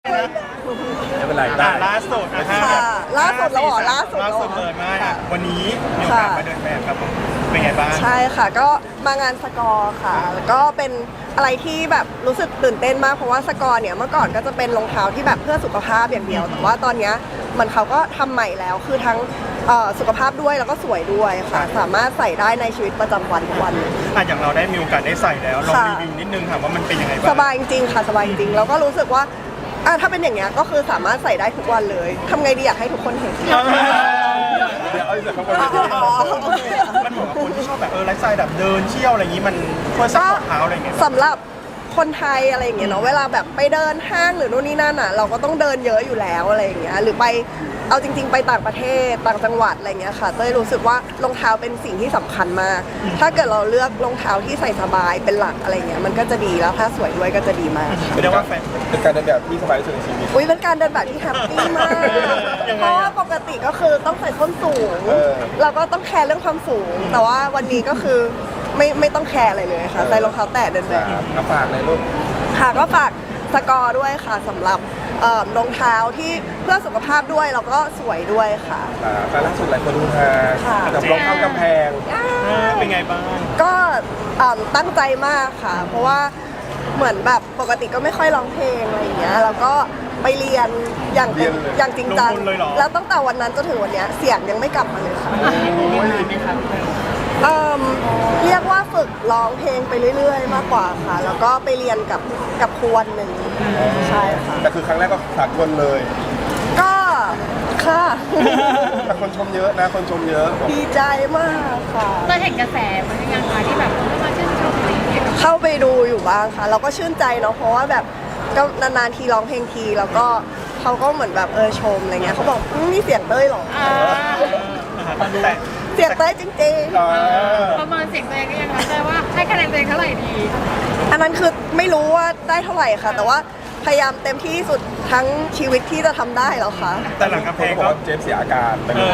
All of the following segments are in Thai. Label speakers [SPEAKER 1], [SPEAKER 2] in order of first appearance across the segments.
[SPEAKER 1] ไม่เป็นไรล่าสุดนะคะ
[SPEAKER 2] ล่าสุดแล้วเหรอล่าสุด
[SPEAKER 1] เลยมากวันนี้มีโอกาสมาเดินแบบครับผมเป็นไงบ้าง
[SPEAKER 2] ใช่ค่ะก็มางานสกอร์ค่ะแล้วก็เป็นอะไรที่แบบรู้สึกตื่นเต้นมากเพราะว่าสกอร์เนี่ยเมื่อก่อนก็จะเป็นรองเท้าที่แบบเพื่อสุขภาพอย่างเดียวแต่ว่าตอนนี้มันเขาก็ทำใหม่แล้วคือทั้งสุขภาพด้วยแล้วก็สวยด้วยค่ะสามารถใส่ได้ในชีวิตประจำวันทุกวัน
[SPEAKER 1] อย่างเราได้มีโอกาสได้ใส่แล้วลองรีวิวนิดนึงค่ะว่ามันเป็นยังไงบ้าง
[SPEAKER 2] สบายจริงค่ะสบายจริงแล้วก็รู้สึกว่าถ้าเป็นอย่างเงี้ยก็คือสามารถใส่ได้ทุกวันเลยทำไงดีอยากให้ทุกคนเห็น
[SPEAKER 1] เดี๋ยวเอาจากข้างบนมันเหมือนคนที่ชอบแบบไลฟ์สไตล์แบบเดินเที่ยวอะไรอย่างนี้มันควรซัพพอร์ตเท้าอะไรอย่างเงี้ย
[SPEAKER 2] สำหรับคนไทยอะไรอย่างเงี้ยเนาะเวลาแบบไปเดินห้างหรือนู่นนี่นั่นอ่ะเราก็ต้องเดินเยอะอยู่แล้วอะไรอย่างเงี้ยหรือไปเอาจริงๆไปต่างประเทศต่างจังหวัดอะไรเงี้ยค่ะเต้ยรู้สึกว่ารองเท้าเป็นสิ่งที่สำคัญมากถ้าเกิดเราเลือกรองเท้าที่ใส่สบายเป็นหลักอะไรเงี้ยมันก็จะดีแล้วถ้าสวยด้วยก็จะดีมาก
[SPEAKER 1] เรียกว่าเป็นการเดินแบบที่สบายที่สุดในชีวิต
[SPEAKER 2] เป็นการเดินแบบที่แฮปปี้มากเพราะว่าปกติก็คือต้องใส่ส้นสูงเราก็ต้องแคร์เรื่องความสูงแต่ว่าวันนี้ก็คือไม่ต้องแคร์อะไรเลยค่ะใส่รองเท้าแตะเดินแบบ
[SPEAKER 1] ฝากเลยลูก
[SPEAKER 2] ค่ะก็ฝากสกอร์ด้วยค่ะสำหรับรองเท้าที่เพื่อสุขภาพด้วยแล้วก็สวยด้วยค่ะ
[SPEAKER 1] การล่าสุดหลายคนดูฮากับรองเท้ากำแพงเป็นไงบ้าง
[SPEAKER 2] ก็ตั้งใจมากค่ะเพราะว่าเหมือนแบบปกติก็ไม่ค่อยร้องเพลงอะไรอย่างเงี้ยแล้วก็ไปเรียนอย่างจริงจังแล้วตั้งแต่วันนั้นจนถึงวันนี้เสียงยังไม่กลับมาเลยค่ะเรียกว่าฝึกร้องเพลงไปเรื่อยๆมากกว่าค่ะแล้วก็ไปเรียนกับครูวันหนึ่งใช่ค่ะ
[SPEAKER 1] แต่คือครั้งแรกก็สากลเลย
[SPEAKER 2] ก็ค่ะ
[SPEAKER 1] แต่คนชมเยอะนะคนชมเยอะ
[SPEAKER 2] ดีใจมากค่ะ
[SPEAKER 3] เราเห็นกระแสมันยังไงที่แบบมาชื่นชมอะไรอย่างเงี้ย
[SPEAKER 2] เข้าไปดูอยู่บ้างค่ะเราก็ชื่นใจเนาะเพราะว่าแบบก็นานๆทีร้องเพลงทีแล้วก็เขาก็เหมือนแบบชมอะไรเงี้ยเขาบอกนี่เสียงเต้ยหรอเสียงเต้ยจริง
[SPEAKER 3] ๆประมาณเสียงตัวเองก็ยังแต่ว่าให้คะแนนตัวเองเท่าไหร่ดี
[SPEAKER 2] อันนั้นคือไม่รู้ว่าได้เท่าไหร่ค่ะแต่ว่าพยายามเต็มที่ที่สุดทั้งชีวิตที่จะทำได้แล้วค่ะ
[SPEAKER 1] แต่หลังกำแพงก็เจฟเสียอาการ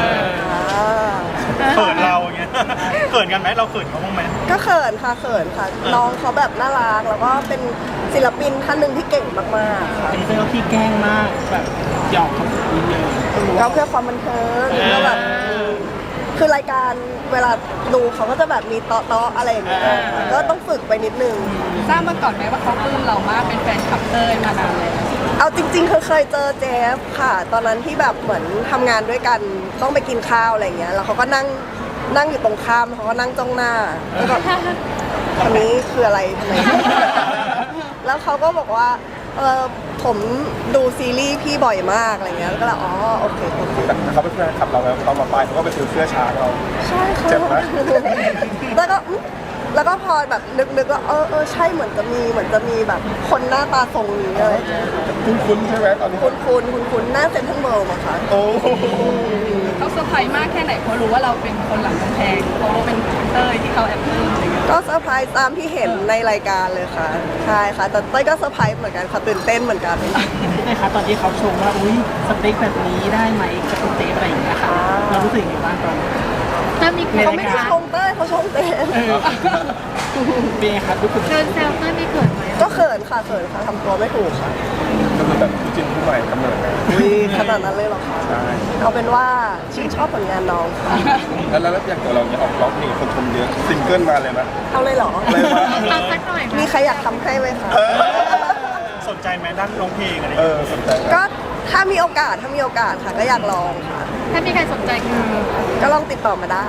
[SPEAKER 1] เขินเราอย่างเงี้ยเขินกันไหมเราเขินเขาบ้างไหม
[SPEAKER 2] ก็เขินค่ะน้องเขาแบบน่ารักแล้วก็เป็นศิลปินท่านหนึ่งที่เก่งมากๆค่ะ
[SPEAKER 4] จริงๆแล้วพี่แกล้งมากแบบหยอกเขาเยอะ
[SPEAKER 2] ก็เพื่อความบันเทิงแล้วแบบคือรายการเวลาดูเขาก็จะแบบมีเตาะอะไรอย่างเงี้ยก็ต้องฝึกไปนิดนึง
[SPEAKER 3] ทราบมาก่อนไหมว่าเขาปลื้มเรามากเป็นแฟนคลับเต้ยมานานเลย
[SPEAKER 2] เอาจริงๆเคยเจอเจฟค่ะตอนนั้นที่แบบเหมือนทำงานด้วยกันต้องไปกินข้าวอะไรเงี้ยแล้วเขาก็นั่งอยู่ตรงข้ามเขาก็นั่งจ้องหน้าแล้วแบบคนนี้คืออะไรทำไมแล้วเขาก็บอกว่าผมดูซีรีส์พี่บ่อยมากอะไรเงี้ยแล้วก็เลยโอเค
[SPEAKER 1] แต่เขาเป็นแฟนคลับเราแล้วเขามาไปเขาก็ไปซื้อเสื้อช้างเรา
[SPEAKER 2] ใช่ค่ะ
[SPEAKER 1] เจ็บไหม
[SPEAKER 2] แล้วก็พอแบบนึกว่าใช่เหมือนจะมีแบบคนหน้าตาทรงนี้เลย
[SPEAKER 1] คุ้นใช่ไหมตอนนี้
[SPEAKER 2] คุ้นหน้าเซ็นทรัลเวิลด์มาค่ะ
[SPEAKER 3] เขาเซอร์ไพรส์มากแค่ไหนเพราะรู้ว่าเราเป็นคนหลังกำแพงเพราะว่าเป็นเต้ยที่เขาแอบปลื้มอะไรเงี้ย
[SPEAKER 2] ก็เซอร์ไพรส์ตามที่เห็นในรายการเลยค่ะใช่ค่ะแต่เต้ยก็เซอร์ไพรส์เหมือนกันค่ะตื่นเต้นเหมือนกัน
[SPEAKER 4] นะคะตอนที่เขาชมว่าอุ้ยสเต็กแบบนี้ได้ไหมกับสเต็กอะไรอย่างเงี้ยค่ะเรารู้สึกยังไงบ้างตอน
[SPEAKER 3] ถ้ามี
[SPEAKER 2] เขาไม่ได้ชมเต้ยเขาชมเต้ย
[SPEAKER 4] เป็นไงครับรู้สึก
[SPEAKER 3] เกินแซวเต้ยไม่เขินไหม
[SPEAKER 2] ก็เขินค่ะทำตัวไม่ถูกค่ะ
[SPEAKER 1] ก็คือแบบจิ้นผู้ใหม่กำเนิด
[SPEAKER 2] ขนาดนั้นเลยหรอคะใช่เอาเป็นว่าชื่นชอบผลงานน้องค่ะ
[SPEAKER 1] แล้วอย่างตัวเราเนี่ยออกร้องเพลงคนชมเยอะซิงเกิลมาเลยไหม
[SPEAKER 2] เอาเลยหรอ
[SPEAKER 3] เอาสักหน่อย
[SPEAKER 2] มีใครอยากทำให้ไหมคะ
[SPEAKER 1] สนใจไหมด้านร้องเพลงอะไรสนใจ
[SPEAKER 2] ก็ถ้ามีโอกาสค่ะก็อยากลองค่ะ
[SPEAKER 3] ถ้ามีใครสนใจ
[SPEAKER 2] ก็ลองติดต่อมาได้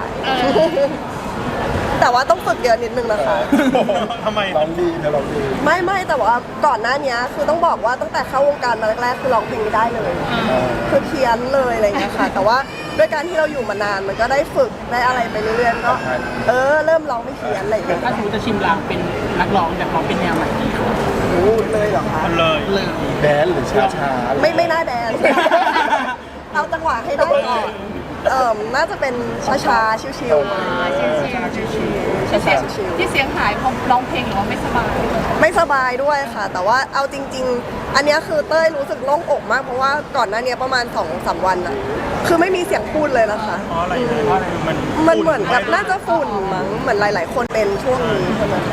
[SPEAKER 2] แต่ว่าต้องฝึกเยอะนิดนึงนะคะ
[SPEAKER 1] ทำไมร้องดีนะร้องดี
[SPEAKER 2] ไม่แต่ว่าก่อนหน้านี้คือต้องบอกว่าตั้งแต่เข้าวงการมาแรกๆคือร้องเพลงไม่ได้เลยคือเพี้ยนเลยอะไรอย่างเงี้ยค่ะแต่ว่าด้วยการที่เราอยู่มานานมันก็ได้ฝึกได้อะไรไปเรื่อยๆก็เริ่มร้องไม่เพี้ยนอะไรอย่างเงี้ย
[SPEAKER 4] ถ้าสมมติจะชิมลางเป็นนักร้องแต่เขาเป็นแนวไหนดีคะ
[SPEAKER 2] เลยเหรอคะ
[SPEAKER 4] เลย
[SPEAKER 1] แดนหรือช้า
[SPEAKER 2] ไม่น่าแดนเอาจังหวะให้ได้ก่อนน่าจะเป็นช้าๆชิวๆ
[SPEAKER 3] ที่เสียงหายเพราะร้องเพลงหรือว่า
[SPEAKER 2] ไม่สบายด้วยค่ะแต่ว่าเอาจริงๆอันนี้คือเต้ยรู้สึกโล่งอกมากเพราะว่าก่อนหน้านี้ประมาณ 2-3 วันอะคือไม่มีเสียงพูดเลยนะคะ
[SPEAKER 1] เพราะอะไร
[SPEAKER 2] มันเหมือนกับน่าจะฝุ่นมั้งเหมือนหลายๆคนเป็นช่วงนี้ใช่ไหม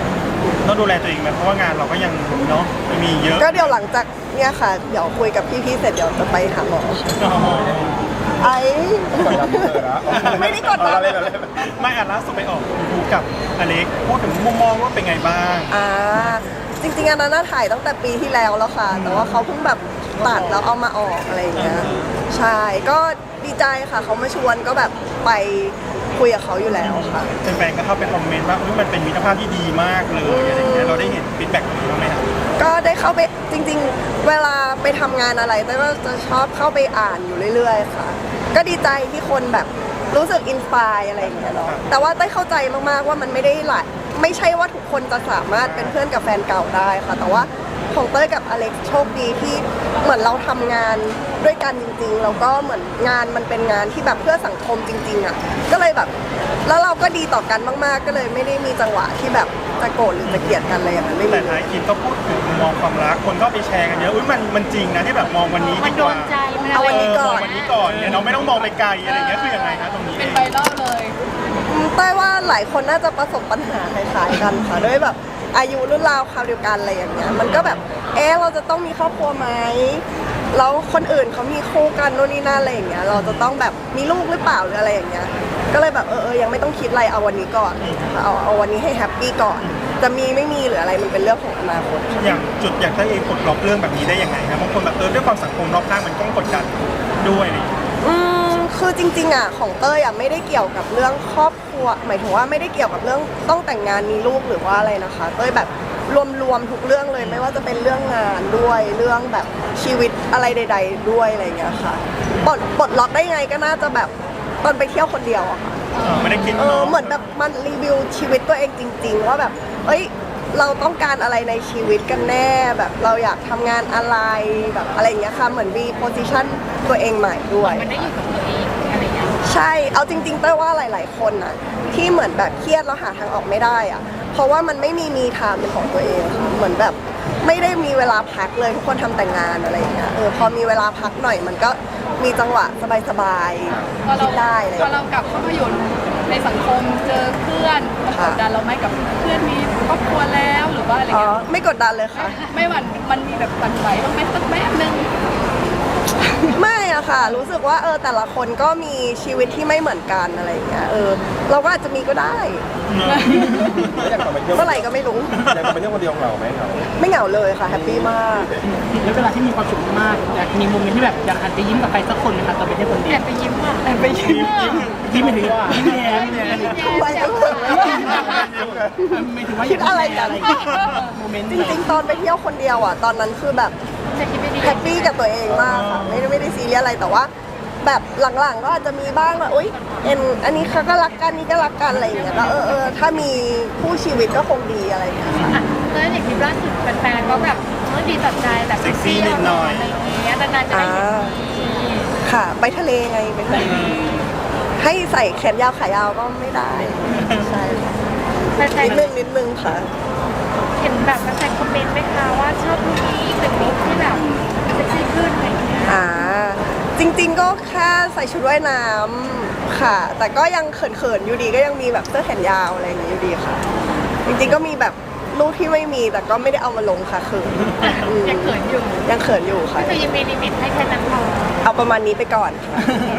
[SPEAKER 1] ต้องดูแลตัวเองไหมเพราะว่างานเราก็ยังเนาะมีเยอะ
[SPEAKER 2] ก็เดี๋ยวหลังจากเนี่ยค่ะ เดี๋ยวคุยกับพี่ๆเสร็จเดี๋ยวจะไปหาหมอไอ้ ไม่ได้กดดัน
[SPEAKER 1] ไม่อ่ะล่าสุดไปออกดูกับอเล็กพูดถึงมุมมองว่าเป็นไงบ้าง
[SPEAKER 2] จริงๆอันนั้นน่าถ่ายตั้งแต่ปีที่แล้วแล้วค่ะ แต่ว่าเขาเพิ่งแบบตัดแล้วเอามาออกอะไรอย่างเงี้ยใช่ก็ดีใจค่ะเขามาชวนก็แบบไปคุยกับเขาอยู่แล้วค่ะ
[SPEAKER 1] แฟนๆก็เข้าไปคอมเมนต์ว่าอุ๊ยมันเป็นมิตรภาพที่ดีมากเลยอะไรอย่างเงี้ยเราได้เห็นฟีดแบ็กนี้บ้างไหมครับ
[SPEAKER 2] ก็ได้เข้าไปจริงๆ เวลาไปทำงานอะไรแต่ก็จะชอบเข้าไปอ่านอยู่เรื่อยๆค่ะ ก็ดีใจที่คนแบบรู้สึกอินสปายอะไรอย่างเงี้ยเนาะแต่ว่าได้เข้าใจมากๆว่ามันไม่ได้ไม่ใช่ว่าทุกคนจะสามารถเป็นเพื่อนกับแฟนเก่าได้ค่ะ แต่ว่าของเต้ยกับอเล็กโชคดีที่เหมือนเราทำงานด้วยกันจริงๆแล้วก็เหมือนงานมันเป็นงานที่แบบเพื่อสังคมจริงๆอ่ะก็เลยแบบแล้วเราก็ดีต่อกันมากๆ ก็เลยไม่ได้มีจังหวะที่แบบจะโกรธหรือจะเกลียดกันอะไรอย่างนั้นไม่
[SPEAKER 1] แต่
[SPEAKER 2] มี
[SPEAKER 1] ท้ายคลิปก็พูดถึงมุมมองความรักคนก็ไปแชร์กันเยอะอุ้ยมันจริงนะที่แบบมองวันนี้ดีกว่า
[SPEAKER 2] เอาวันนี้ก่อน
[SPEAKER 1] มองวันนี้ก่อนเนี่ยเราไม่ต้องมองไปไกลอะไรอย่างเงี้ยคือยังไงคะตรงนี้
[SPEAKER 3] เป็นไวรัลเลย
[SPEAKER 2] เต้ยว่าหลายคนน่าจะประสบปัญหาคล้ายๆกันค่ะด้วยแบบอายุรุ่นราวคราวเดียวกันอะไรอย่างเงี้ยมันก็แบบเราจะต้องมีครอบครัวไหมแล้วคนอื่นเขามีคู่กันโน่นนี่นั่นอะไรอย่างเงี้ยเราจะต้องแบบมีลูกหรือเปล่าหรืออะไรอย่างเงี้ยก็เลยแบบยังไม่ต้องคิดอะไรเอาวันนี้ก่อนเอาวันนี้ให้แฮปปี้ก่อนจะมีไม่มีหรืออะไรมันเป็นเรื่องของอนาคต
[SPEAKER 1] อย่างจุดอยากให้เองปลดล็อกเรื่องแบบนี้ได้ยังไงครับบางคนแบบด้วยความสังคมรอบข้างมันก็กดดันด้วยอะไรอย่างเงี้ย
[SPEAKER 2] คือจริงๆอ่ะของเต้ยอ่ะไม่ได้เกี่ยวกับเรื่องครอบครัวหมายถึงว่าไม่ได้เกี่ยวกับเรื่องต้องแต่งงานมีลูกหรือว่าอะไรนะคะเต้ยแบบรวมทุกเรื่องเลยไม่ว่าจะเป็นเรื่องงานด้วยเรื่องแบบชีวิตอะไรใด ๆ ด้วยอะไรอย่างเงี้ยค่ะปลดล็อกได้ไงก็น่าจะแบบตอนไปเที่ยวคนเดียวอะค่ะ
[SPEAKER 1] ไม่ได้คิด
[SPEAKER 2] เหมือนแบบมันรีวิวชีวิตตัวเองจริง ๆ ว่าแบบเราต้องการอะไรในชีวิตกันแน่แบบเราอยากทำงานอะไรแบบอะไรอย่างเงี้ยค่ะเหมือนมีโพสิชันตัวเองใหม่ด้วย
[SPEAKER 3] มันได้อยู่กับตัวเองอะไรอย่างเงี้ย
[SPEAKER 2] ใช่ เอาจริงๆเต้ยว่าหลายๆคนน่ะที่เหมือนแบบเครียดแล้วหาทางออกไม่ได้อะเพราะว่ามันไม่มีไทม์เป็นของตัวเองค่ะเหมือนแบบไม่ได้มีเวลาพักเลยทุกคนทำแต่งงานอะไรอย่างเงี้ยพอมีเวลาพักหน่อยมันก็มีจังหวะสบาย
[SPEAKER 3] พอ
[SPEAKER 2] ๆ
[SPEAKER 3] เรา
[SPEAKER 2] คิดได้เลย
[SPEAKER 3] พอเรากลับเข้ามาอยู่ในสังคมเจอเพื่อนมันกดดันเราไหมกับเพื่อนมีครอบครัวแล้วหรือว่าอะไร
[SPEAKER 2] อ๋อ
[SPEAKER 3] เงี้ย
[SPEAKER 2] ไม่กดดันเลยค่ะ
[SPEAKER 3] ไม่หวั่นมันมีแบบหวั่นไหวบ้างไหมสักแป๊บนึง
[SPEAKER 2] ไม่อะค่ะ รู้สึกว่าแต่ละคนก็มีชีวิตที่ไม่เหมือนกันอะไรอย่างเงี้ยเราก็อาจจะมีก็ได้
[SPEAKER 5] อยากกลับไปเที่ยว
[SPEAKER 2] เมื่อไหร่ก็ไม่รู้
[SPEAKER 5] อยากกลับไปเที่ยวคนเดียวเหงาไหมครับ
[SPEAKER 2] ไม่เหงาเลยค่ะแฮปปี้มาก
[SPEAKER 4] แล้วเวลาที่มีความสุขมากอยากมีโมเมนต์ที่แบบอยากหันไปยิ้มกับใครสักคนไหมคะตอนไปเที่ยวคนเดี
[SPEAKER 3] แอ
[SPEAKER 4] ยว
[SPEAKER 3] บไปยิ้มอ่ะแอบไปยิ้มอ่ะ
[SPEAKER 4] ยิ้มไปถึงยิ้มแย้มเนี่ย
[SPEAKER 2] ไปกันเถอะ
[SPEAKER 4] ไม่ถึงว่า
[SPEAKER 2] คิดอะไรกัน
[SPEAKER 4] โมเมนต์
[SPEAKER 2] จริงๆ ตอนไปเที่ยวคนเดียวอ่ะตอนนั้นคือแบบ
[SPEAKER 3] จะคิดไม่ดี
[SPEAKER 2] แฮปปี้กับตัวเองมากค่ะไม่ได้ซีเรียสอะไรแต่ว่า แบบหลังๆก็อาจจะมีบ้างว่าอุ๊ยอันนี้เขาก็รักกันนี่ก็รักกันอะไรอย่างเงี้ยก็ถ้ามีคู่ชีวิตก็คงดีอะไรอย่างเงี้ยค่ะ
[SPEAKER 3] แล้วอย่างคลิปล่าสุดแฟนๆก็แบบดีต่อใจแบบ
[SPEAKER 1] เซ็กซี่นิดหน่อย
[SPEAKER 3] อะไรอย่างเงี้ยนานๆจะได้เห็นที
[SPEAKER 2] ค่ะไปทะเลไงไปทะเลให้ใส่แขนยาวขายาวก็ไม่ได้ใช่ค่ะ
[SPEAKER 3] แฟน
[SPEAKER 2] นิดนึงค่ะ
[SPEAKER 3] ๆเห็นแบบแฟนๆคอมเมนต์ไหมคะว่าชอบลุคนี้เป็นลุคที่แบบเซ็กซี่ขึ้นอะไรอย่างเงี้ย
[SPEAKER 2] จริงๆก็แค่ใส่ชุดว่ายน้ำค่ะ แต่ก็ยังเขินๆอยู่ดีก็ยังมีแบบเสื้อแขนยาวอะไรอย่างนี้อยู่ดีค่ะ จริงๆก็มีแบบรูปที่ไม่มีแต่ก็ไม่ได้เอามาลงค่ะคือ
[SPEAKER 3] ยังเขินอยู่
[SPEAKER 2] ยังเขินอยู่ค่ะ
[SPEAKER 3] ก็คือยังมีลิมิตให้แค่นั้นพอ
[SPEAKER 2] เอาประมาณนี้ไปก่อนค่ะ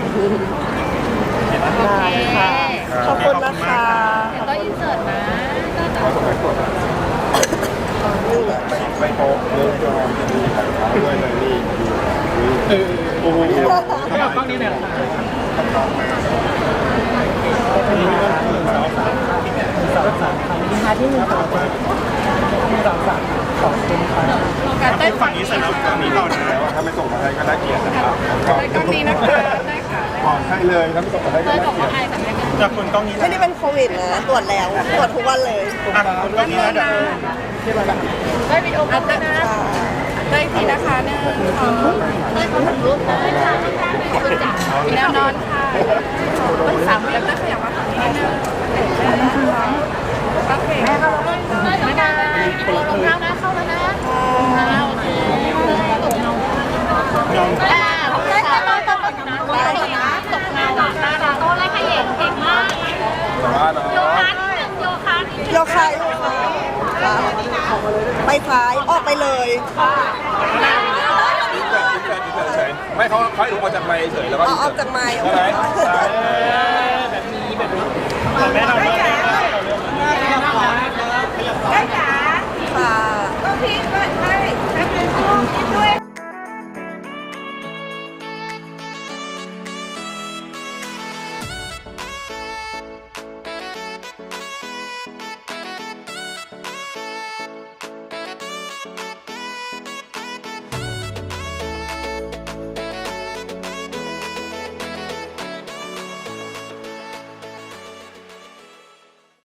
[SPEAKER 3] โอเค
[SPEAKER 2] ค่ะขอบคุณนะคะ
[SPEAKER 3] เดี๋ยวต้องอินเสิร์ตนะก็จะ
[SPEAKER 2] นี่ไง
[SPEAKER 5] ไปโป๊ะเลิฟยอมจะมีถ่ายภาพด้วยเลยนี่โอ้โห
[SPEAKER 4] เขาบอกกล้องนี้เลยเหรอ
[SPEAKER 3] การเต้น
[SPEAKER 1] ฝั่งนี้เสร็จแล้วฝั่งนี้ต่อนะ
[SPEAKER 5] ถ้าไม่ส่งมาให้ก็น่าเกลียดนะครับ
[SPEAKER 3] ก็ดีนะคะได้ค่ะ
[SPEAKER 5] บอกให้เลยถ้าไม่ส่งมาให้ก็
[SPEAKER 3] เต้ย
[SPEAKER 5] น่า
[SPEAKER 3] บอก
[SPEAKER 5] เกลีย
[SPEAKER 3] ว่า
[SPEAKER 5] ด
[SPEAKER 3] ไอแต่ไม่กัน
[SPEAKER 1] จากคนกล้องนี้
[SPEAKER 2] ไม่ได้เป็นโควิดนะตรวจแล้วตรวจทุกวันเลย
[SPEAKER 1] คนกล้องนี้นะเดี๋ยว
[SPEAKER 3] ได้วิดีโอคอลนะได้ทีนะคะหนึ่งสองได้ขอถ่ายรูปนะแนวนอนค่ะต้องสามแล้วก็ขยับมาฝั่งนี้นึงโอเคแม่เข้าแล้วไม่ได้ลงเท้านะเข้าแล้วนะโอเคตกเงาได้ตกตกนะตกเงาโตเลยขยันเก่งมาก
[SPEAKER 5] แต่ว่าเนาะ
[SPEAKER 3] โยคะโยคะ
[SPEAKER 2] โยคะค่ะ
[SPEAKER 5] เฉยไม่เขาให้ดูออกจากไมค์เฉยแล้วก็
[SPEAKER 2] เอาออกจากไมค์
[SPEAKER 5] ใช่ไหม
[SPEAKER 4] แบบนี้แบบนี้
[SPEAKER 1] แม่เราเริ่ม
[SPEAKER 2] ค่ะ